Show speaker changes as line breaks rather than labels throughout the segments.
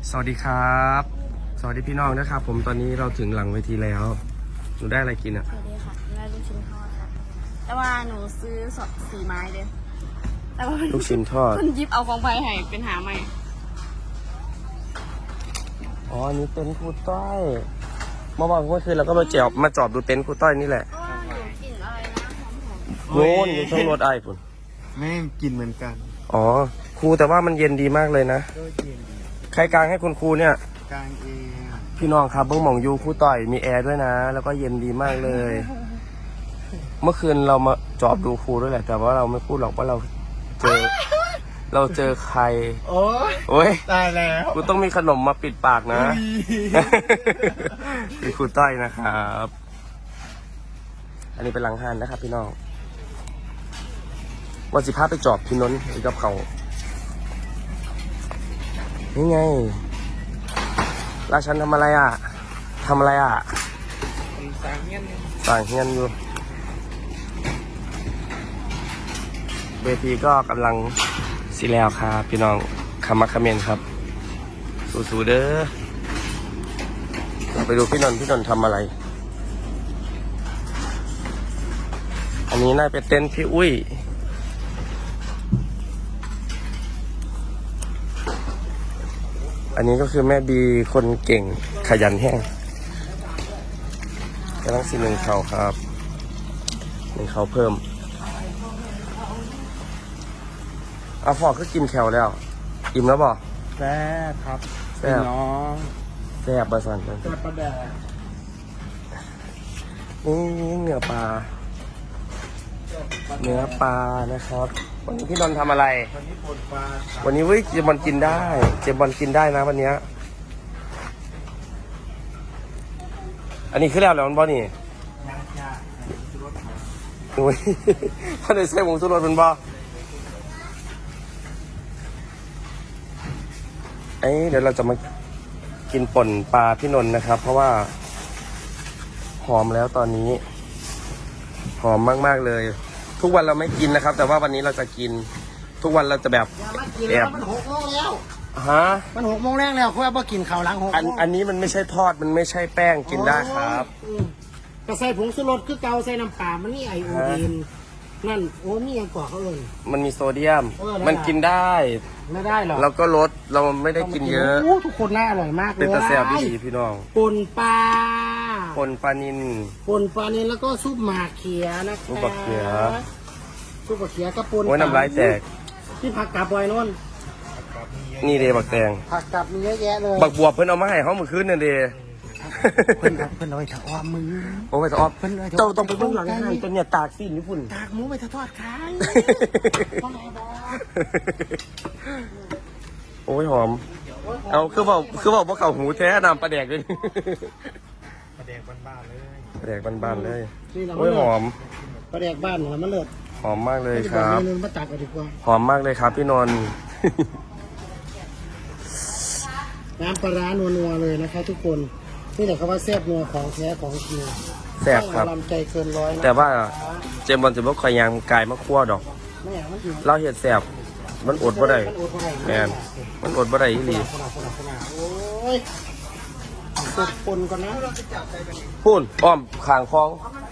สวัสดีครับสวัสดีพี่น้องนะครับผมตอนนี้เราถึงหลังเวทีแล้วหนูได้อะไรกินอ่ะ
สวัสดีค่ะได้ลูกชิ้นทอดค่ะแต่ว่าหนูซื้อ4 ไม้เลยแต่ว่า
ลูกชิ้นทอด
คุณยิบเอาของไปให้เป็นหาใหม่
อ๋ออันนี้เต็นท์ครูต้อยเมื่อคืนเราก็มาจอบดูเต็นท์ครูต้อยนี่แหละ
ก็หนูกลิ่นอะไรนะหอม
โน่นอยู่ช่องรถไอ้ปุ่น
แม่งกินเหมือนกัน
อ๋อครูแต่ว่ามันเย็นดีมากเลยนะ
ก็เย็นดี
ใครกลางให้คุณครูเนี่ย
กลางเอง
พี่น้องครับเบิ้งหม่องยูครูต้อยมีแอร์ด้วยนะ แล้วก็เย็นดีมากเลย เมื่อคืนเรามาจอบดูครูด้วยแหละ แต่ว่าเราไม่พูดหรอกว่าเราเจอใคร
โอ้ย
โอ้ย
ตายแล้ว
กูต้องมีขนมมาปิดปากนะ คือครูต้อยนะครับ อันนี้เป็นหลังหานนะครับพี่น้องวันสิพาไปจอบพี่นนท์ไปกับเขานี่ไงราชันทำอะไรอ่ะทำอะไรอ่ะ
สางเงี้ย
สั่งเฮียนอยู่เวทีก็กำลังสิแล้วครับพี่น้องคำมักคำเมนครับสู้ๆเด้อเราไปดูพี่นนท์ทำอะไร อันนี้น่าเป็นเต็นท์พี่อุ้ยอันนี้ก็คือแม่บีคนเก่งขยันแห้งกำลังสิหนึ่งเขาครับหนึ่งเขาเพิ่มเอาฟอกก็กินแคลแล้วอิ่มแล้วบ่
แซ่บครับ
แซ่บ
น้อง
แซ่บประสัน
แซ่บประแดก
นี่เนื้อปลานะครับวันนี้พี่นนท์ทำอะไร
วันนี้ปนปลาครับ
วันนี้เว้ยเจมบอลกินได้นะวันเนี้ยอันนี้คือแล้วมันบ่นี่
ย่างย่างชุดรถไถ
โอ้ยถ้าได้ใส่หมูสุรสมันบ่เดี๋ยวเราจะมากินป่นปลาพี่นนท์นะครับ เพราะว่าหอมแล้วตอนนี้หอมมากๆเลยทุกวันเราไม่กินนะครับ แต่ว่าวันนี้เราจะกินทุกวันเราจะแบบ
มากินแล้วมัน6 โมงแล้ว
ฮะ
มัน6 โมงแล้วเพราะว่ากินข้าวหลัง6 โมง
อันนี้มันไม่ใช่ทอดมันไม่ใช่แป้งกินได้ครับ
ก็ใส่ผงชูรสคือเกาใส่น้ำปลามันนี่ไอโอดีนนั่นโอ้นี่ยังกว่าเขาเอิญ
มันมีโซเดียม
เออได้
มันกินได้
ไม่ได้หรอก
เราก็ลดเราไม่ได้กินเยอะ
โอ้ทุกคนน่าอร่อยมากเลย
เป็นตะแซ่บดีพี่น้อง
ปนปลา
คนปลานิน
ปนปลาเนี่ยแล้วก็ซุปหมากเขียนะคะ
ซุปหมากเขีย
ซุปหมากเขียกับปน
โอ้ยน้ำลายแตก
ที่ผักกาดบอยนนท์
นี่เดบักแตง
ผักกาดมีเยอะแยะเลย
บักบวบเพิ่นเอามาให้เขาเมื่อคืนนั่นเด
เพิ่นเอาไปถอดมือ
โอ้ยจะออฟ
เพิ่นเอาไป
เจ้าต้องไปเบื้องหลังให้ตัวเนี่ยตากสิ้นญี่ปุ่น
ตากหมูไปทอดขายพ่อแม่บอก
โอ้ยหอม เอาคือบอกว่าเขาหูแท้นำปลาแดกเลย
ประแดกบ้านๆเลย
ปลาแดกบานๆเลย
นี่เรา
โอ้ยหอม
ปลาแดกบ้านเหรอมันเลิศ
หอมมากเลยครับ
เมนูมาตักกันดีกว่า
หอมมากเลยครับพี่นนท์
น้ำปลาร้านัวๆเลยนะคะทุกคนนี่แหละคำว่าแซ่บนัวของแท้ของจริง
แซ่บครับ
ลำใจเกินร้อยนะ
แต่ว่าเจมส์บอลจะบอกคอยยางกายมาคั่วดอก
ไม่อยากมันถึง
เราเห็ดแซ่บมันอดบ่ได้
มันอดบ่ได้
แมนมันอดบ่ได้อีหลี
โอ้ยกดปนก่อนนะ
พูนอ้อมขางคลอง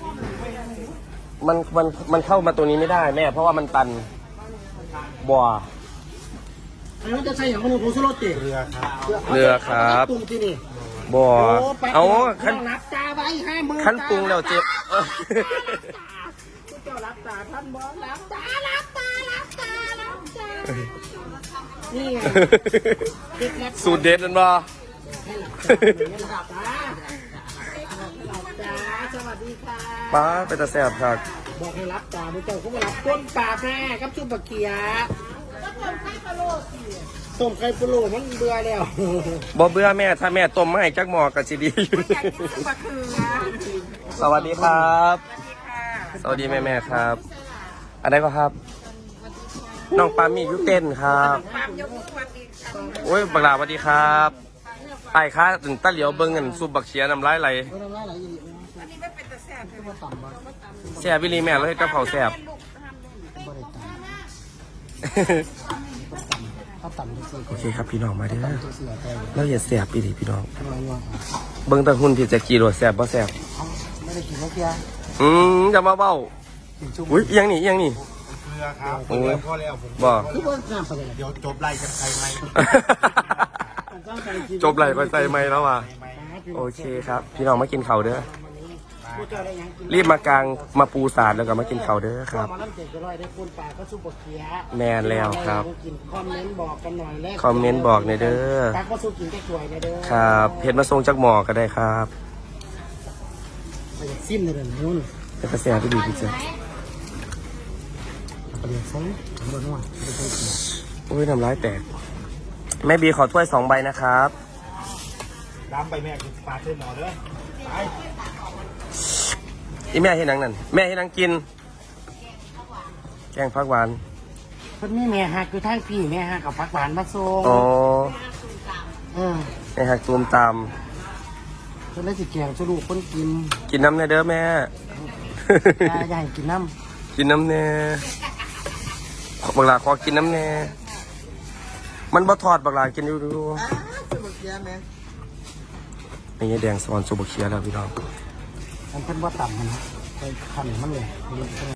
มันเข้ามาตัวนี้ไม่ได้แม่เพราะว่ามันตันบ่อ
ไอ้มันจะใช่อย่างมันผงชูรสติ
เรือครับ
เรือครับ
ปรุงที่นี่
บ่อ
โอ้ไป
เอา
ขั้
ขั้
น
น
รับตาไว้50,000
ขั้นปรุงแล้วเจ็บ
เจ้ารับตาท่านบอกรับตารับตานี่ไง
สูตรเด็ดนั่นบ่
รับตาสวัสดีค่ะ
ป้าเป็นตาแซ่บครับ
บอกให้รับตาเจ้าเขามารับต้นปลาแม่กับชุบปลาเกียต้มไข่ปลาโลมันเบื่อแล้ว
บ่เบื่อแม่ถ้าแม่ต้มมาให้จักหม้อก็สิดีอยู่สวัสดีครับ สวัสดีแม่ครับ อะไรก็ครับ น้องปามียุเต้นครับโอ้ยบักหลาสวัสดีครับไอ้ค้าถึงตาเหลียวเบิ้งเงินซุปบักเชียน้ำลายไหลแซ่บวิลีแม่เลยกับเขาวแซ่บ
ทำต่ำทุกสิ่ง
โอเคครับพี่น้องมาเด้อ
ต่ำทุกสิ่งแต่
เราอย่าแสบอีหลีพี่น้อง
ทำไมวะ
เบิ่งแตะหุ่นพี่แจะกี่โลแสบบ่แสบ
ไม่ได้กินเมื่อกี้
จะมาเบ้า
กินชุ่ม
อุ้ยเอียงนี่เอียงนี่
เกลือครับ
โอ้ย
พอแล้วผม
บ่
คือว่าน้ำไปเลย
เดี๋ยวจบไล่กันใครไหม
จบไหลไปใส่ไหมแล้วว่ะโอเคครับ พี่น้องมากินข้าวเด้อ
ผู้เจ้าได้ยังกิน
รีบมากลางมาปูสาดแล้วก็มากินข้าวเด้อครับ
มาล้ำเจ็ดจะร้อยได้คุณป่าก็ซุปเปอร์เคีย
แมนแล้วครับ
กินคอมเมนต์บอกกันหน่อยแรก
คอมเมนต์บอกในอยเด้อ
ปลาก็ซุปกินแค่ถ้วยในเด้อ
ครับเห็ดมาทรงจากหมอก็ได้ครับ
ไปซิมในเดือนนู้น
แล้วก็แซ่บไปดีพี่เจ้า
ไปเรียนซ้ำผมบอกว่าไปเจอกิน
โอ้ยน้ำลายแตกแม่บีขอถ้วย2 ใบนะครับ
ดำไปแม่กินปลาเส้นหมอเด้อไป
อีแม่ให้นังนั่นแม่ให้นังกิน แกงผักหวาน
เพิ่นมีแม่ฮักคือทางพี่แม่ฮักกับผักหวานมาส่ง
อ๋อ
เ
แม่หักตูมตาม
เพิ่นเลยสิแกงสรุปคนกิน
กินน้ำในอยเด้อแม่
อย่าให้กินน้
กินน้ำแน่บักหลาขอกินน้ำแน่มันบ่ทอดบักหลากินอยู่ดูนี่ไงแดงสวอนซูบกเคียแล้วพี่น้อง
ำมันเป็นว่าต่ำมันนะไปขันมันเลย